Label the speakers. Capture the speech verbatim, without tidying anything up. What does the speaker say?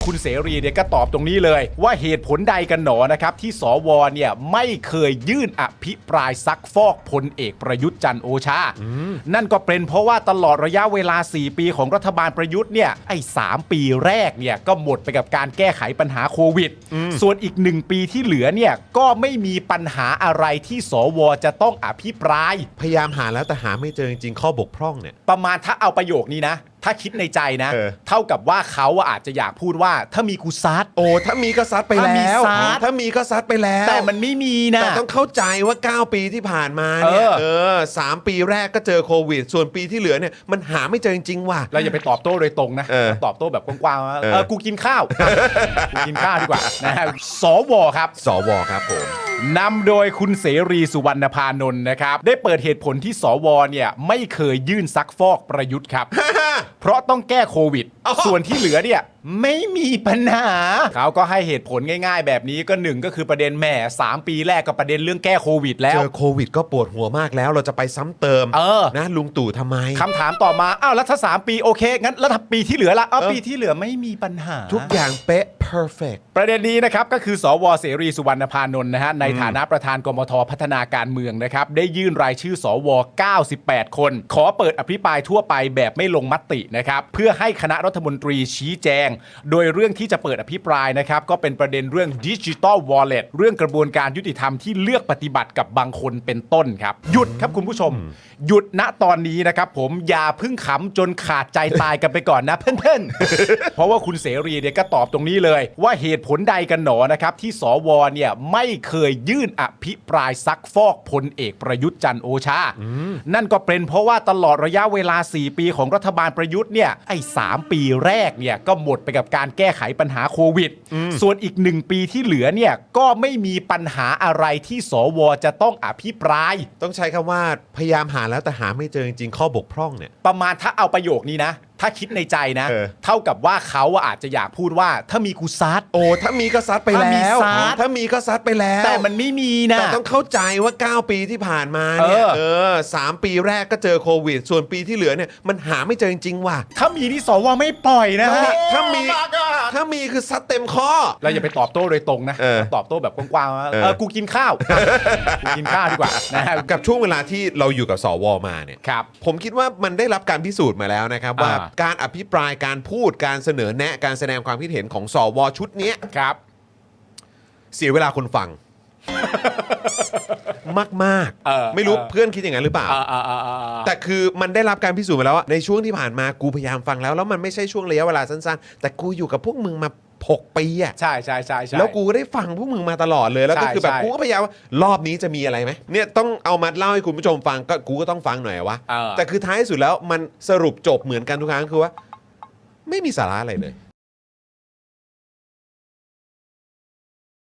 Speaker 1: คุณเสรีเนี่ยก็ตอบตรงนี้เลยว่าเหตุผลใดกันหนอนะครับที่สวเนี่ยไม่เคยยื่นอภิปรายซักฟอกพลเอกประยุทธ์จันทร์โอชานั่นก็เป็นเพราะว่าตลอดระยะเวลาสี่ปีของรัฐบาลประยุทธ์เนี่ยไอ้สามปีแรกเนี่ยก็หมดไปกับการแก้ไขปัญหาโควิดส่วนอีกหนึ่งปีที่เหลือเนี่ยก็ไม่มีปัญหาอะไรที่สวจะต้องอภิปราย
Speaker 2: พยายามหาแล้วแต่หาไม่เจอจริงๆข้อบกพร่องเนี่ย
Speaker 1: ประมาณถ้าเอาประโยคนี้นะถ้าคิดในใจนะเเท่ากับว่าเขาอาจจะอยากพูดว่าถ้ามีกูซัด
Speaker 2: โอ้ถ้ามีก็ซัดไปแล้วถ้ามีก็ซัดไปแล้ว
Speaker 1: แต่มันไม่มีนะ
Speaker 2: แต่ต้องเข้าใจว่าเก้าปีที่ผ่านมาเนี่ยเออสามปีแรกก็เจอโควิดส่วนปีที่เหลือเนี่ยมันหาไม่เจอจริงๆว่ะ
Speaker 1: เราอย่าไปตอบโต้โดยตรงนะตอบโต้แบบกว้างๆว่าเออกูกินข้าวกูกินข้าวดีกว่านะฮะสวครับ
Speaker 2: สวครับผม
Speaker 1: นำโดยคุณเสรีสุวรรณพานนท์นะครับได้เปิดเหตุผลที่สวเนี่ยไม่เคยยื่นซักฟอกประยุทธ์ครับ เพราะต้องแก้โควิดส่วนที่เหลือเนี่ยไม่มีปัญหาเขาก็ให้เหตุผลง่ายๆแบบนี้ก็หนึ่งก็คือประเด็นแหม่สามปีแรกก็ประเด็นเรื่องแก้โควิดแล้ว
Speaker 2: เจอโควิดก็ปวดหัวมากแล้วเราจะไปซ้ำเติม
Speaker 1: เออ
Speaker 2: นะลุงตู่ทำไม
Speaker 1: คำถามต่อมาอ้าวแล้วถ้าสามปีโอเคงั้นแล้วถ้าปีที่เหลือละอ้าวปีที่เหลือไม่มีปัญหา
Speaker 2: ทุกอย่างเป๊ะ perfect
Speaker 1: ประเด็นนี้นะครับก็คือสวเสรีสุวรรณพานนท์นะฮะในฐานะประธานกมทพัฒนาการเมืองนะครับได้ยื่นรายชื่อสวเก้าสิบแปดคนขอเปิดอภิปรายทั่วไปแบบไม่ลงมตินะครับเพื่อให้คณะรัฐมนตรีชี้แจงโดยเรื่องที่จะเปิดอภิปรายนะครับก็เป็นประเด็นเรื่อง Digital Wallet เรื่องกระบวนการยุติธรรมที่เลือกปฏิบัติกับบางคนเป็นต้นครับหยุดครับคุณผู้ชมหยุดณตอนนี้นะครับผมอย่าพึ่งขำจนขาดใจตายกันไปก่อนนะเพื่อนๆ เพราะว่าคุณเสรีเนี่ยก็ตอบตรงนี้เลยว่าเหตุผลใดกันหนอนะครับที่สวเนี่ยไม่เคยยื่นอภิปรายซักฟอกพลเอกประยุทธ์จันทร์โอชานั่นก็เป็นเพราะว่าตลอดระยะเวลาสี่ปีของรัฐบาลประยุทธ์เนี่ยไอ้สามปีแรกเนี่ยก็หมดไปกับการแก้ไขปัญหาโควิดส่วนอีกหนึ่งปีที่เหลือเนี่ยก็ไม่มีปัญหาอะไรที่สวจะต้องอภิปราย
Speaker 2: ต้องใช้คำว่าพยายามหาแล้วแต่หาไม่เจอจริงๆข้อบกพร่องเนี่ย
Speaker 1: ประมาณถ้าเอาประโยคนี้นะถ้าคิดในใจนะเเท่ากับว่าเขาอาจจะอยากพูดว่าถ้ามีกูซัด
Speaker 2: โอ้ถ้ามีก็ซัดไปแล้วถ้ามีก็ซัดไปแล้ว
Speaker 1: แต่มันไม่มีนะ
Speaker 2: แต่ต้องเข้าใจว่าเก้าปีที่ผ่านมาเนี่ยเออสามปีแรกก็เจอโควิดส่วนปีที่เหลือเนี่ยมันหาไม่เจอจริงๆว่ะ
Speaker 1: ถ้ามีที่สวไม่ปล่อยนะฮะ
Speaker 2: ถ้ามีถ้ามีคือซัดเต็มข้อ
Speaker 1: เราอย่าไปตอบโต้โดยตรงนะตอบโต้แบบกว้างๆว่าเออกูกินข้าวกูกินข้าวดีกว่านะฮะ
Speaker 2: กับช่วงเวลาที่เราอยู่กับสวมาเนี่ยผมคิดว่ามันได้รับการพิสูจน์มาแล้วนะครับว่าการอภิปรายการพูดการเสนอแนะการแสดงความคิดเห็นของสวชุดนี้
Speaker 1: ครับ
Speaker 2: เสียเวลาคนฟัง มากๆไม่รู้เพื่อนคิดอย่างนั้นหรือเปล่าแต่คือมันได้รับการพิสูจน์มาแล้วว่าในช่วงที่ผ่านมากูพยายามฟังแล้วแล้วมันไม่ใช่ช่วงระยะเวลาสั้นๆแต่กูอยู่กับพวกมึงมาหกปีอ่ะ
Speaker 1: ใช่ใช่ใช่
Speaker 2: แล้วกูก็ได้ฟังพวกมึงมาตลอดเลยแล้วก็คือแบบกูก็พยายามรอบนี้จะมีอะไรไหมเนี่ยต้องเอามาเล่าให้คุณผู้ชมฟังก็กูก็ต้องฟังหน่อยวะแต่คือท้ายสุดแล้วมันสรุปจบเหมือนกันทุกครั้งคือว่าไม่มีสาระอะไรเลย